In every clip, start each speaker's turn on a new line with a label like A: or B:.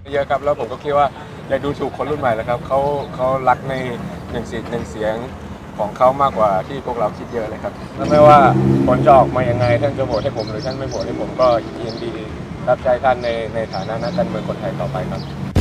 A: เยอะครับแล้วผมก็คิดว่าอยากดูถูกคนรุ่นใหม่แล้วครับเขารักในหนึ่งเสียงของเขามากกว่าที่พวกเราคิดเยอะเลยครับแล้วไม่ว่าผลจะออกมายังไงท่านจะโหวตให้ผมหรือท่านไม่โหวตให้ผมก็ยินดีรับใช้ท่านในฐานะนักการเมืองคนไทยต่อไปครับ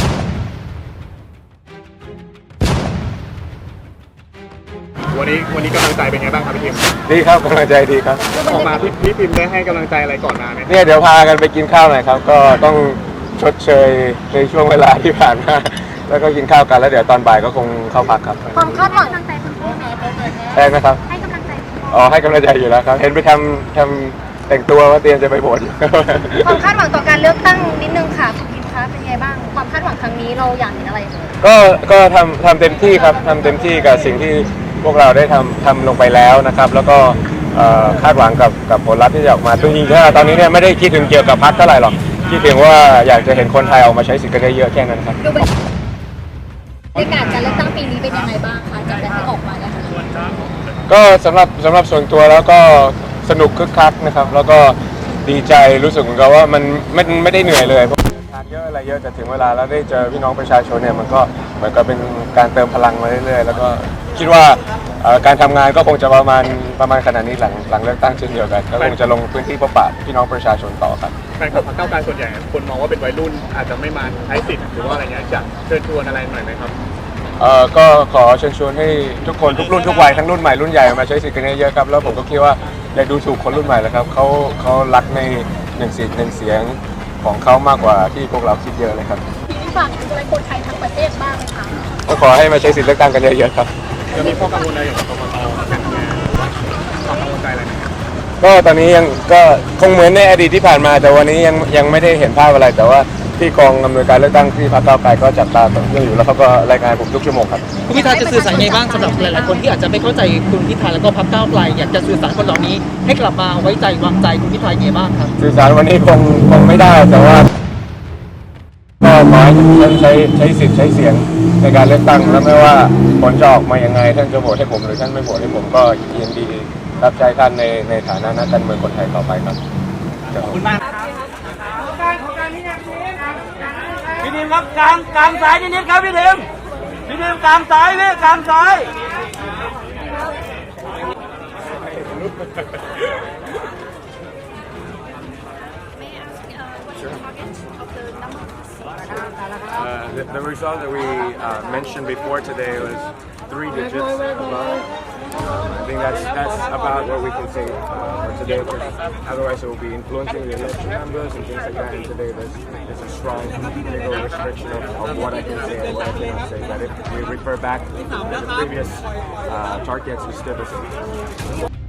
B: วันนี้กำลังใจเป็นไงบ้างครับพี่พิม
A: ดีครับกำลังใจดีครับ
B: ออกมาพี่พิมได้ให้กำลังใจอะไรก่อนมาไหม
A: เนี่ยเดี๋ยวพากันไปกินข้าวหน่อยครับก็ต้องชดเชยในช่วงเวลาที่ผ่านมาแล้วก็กินข้าวกันแล้วเดี๋ยวตอนบ่ายก็คงเข้าพักครับ
C: ความคาดหวังกำลังใจคุณพ่อแม่
A: ใช่ไหมครับ
C: ให้กำลังใจ
A: ให้กำลังใจอยู่แล้วครับเห็นไปทำแต่งตัวว่าเตรียมจะไปโหวต
C: ความคาดหวังต่อการเลือกตั้งนิดนึงค่ะคุณพิมคะเป็นไงบ้างความคาดหวังครั้งนี้เราอยากเห็นอะไร
A: ก็ทำเต็มที่ครับทำเต็มที่กับสิ่งที่พวกเราได้ทำลงไปแล้วนะครับแล้วก็คาดหวังกับผลลัพธ์ที่จะออกมาจริงๆตอนนี้เนี่ยไม่ได้คิดถึงเกี่ยวกับพรรคเท่าไหร่หรอกคิดเพียงว่าอยากจะเห็นคนไทยออกมาใช้สิทธิ์กันเยอะๆแค่นั้นครับ
C: บรรยากาศการเลือกตั้งปีนี้เป็นยังไงบ้างคะจากการที่ออกมาเนี่ยค่ะ
A: ก็สำหรับส่วนตัวแล้วก็สนุกคึกคักนะครับแล้วก็ดีใจรู้สึกเหมือนกับว่ามันไม่ได้เหนื่อยเลยทานเยอะอะไรเยอะแต่ถึงเวลาแล้วได้เจอพี่น้องประชาชนเนี่ยมันก็เหมือนกับเป็นการเติมพลังมาเรื่อยๆแล้วก็คิดว่าการทำงานก็คงจะประมาณขนาดนี้หลังเลือกตั้งเช่นเดียวกันก็คงจะลงพื้นที่พบปะพี่น้องประชาชนต่อครับ
B: แฟนคลับพรรคก้าวไกลส่วนใหญ่คนมองว่าเป็นวัยรุ่นอาจจะไม่มาใช้สิทธิ์หรือว่าอะไรเงี้ยจะเชิญชวนอะไรหน่อยไหมครับ
A: ก็ขอเชิญชวนให้ทุกคนทุกรุ่นทุกวัยทั้งรุ่นใหม่รุ่นใหญ่มาใช้สิทธิ์กันเยอะๆครับแล้วผมก็คิดว่าอยากดูถูกคนรุ่นใหม่แล้วครับเขารักในหนึ่งเสียงของเขามากกว่าที่พวกเราคิดเยอะเลยครับ
C: ฝากถึงอะไรคนไทยทั้งประเทศบ้างไหมคะ
A: ก็ขอให้มาใช้สิทธิ์เลือกตั้งกันเยอะๆครับ
B: จะมีข้อกังวลอะไรอย่างกกต.ความกังวลใจอะไรไหม
A: ก็ตอนนี้ยังก็คงเหมือนในอดีตที่ผ่านมาแต่วันนี้ยังไม่ได้เห็นภาพอะไรแต่ว่าที่กองอำนวยการเลือกตั้งที่พรรคก้าวไกลก็จับตาต่อเนื่องอยู่แล้วเขาก็รายงานผมทุกชั่วโมงครับ
D: คุณพิธาจะสื่อสารยังไงบ้างสำหรับหลายๆคนที่อาจจะไม่เข้าใจคุณพิธาแล้วก็พรรคก้าวไกลอยากจะสื่อสารคนเหล่านี้ให้กลับมาไว้ใจวางใจคุณพิธายังไงบ้างครับ
A: สื่อสารวันนี้คงไม่ได้แต่ว่าก็ขอให้ท่านใช้สิทธิ์ใช้เสียงในการเลือกตั้งแล้วไม่ว่าผลจะออกมายังไงท่านจะโหวตให้ผมหรือท่านไม่โหวตให้ผมก็ยินดีรับใช้ท่านในฐานะนักการเมืองคนไทยต่อไปครับ
D: ขอบคุณมาก
E: พี่ดิมครับกลางสายนิดครับพี่ดิมกลางสายพี่กลางสาย
A: The result that we mentioned before today was 3 digits above. I think that's about what we can say for today. Otherwise, it will be influencing the election numbers and things like that. And today, there's a strong legal restriction of what I can say and what I cannot say. But if we refer back to the previous targets, we still the same.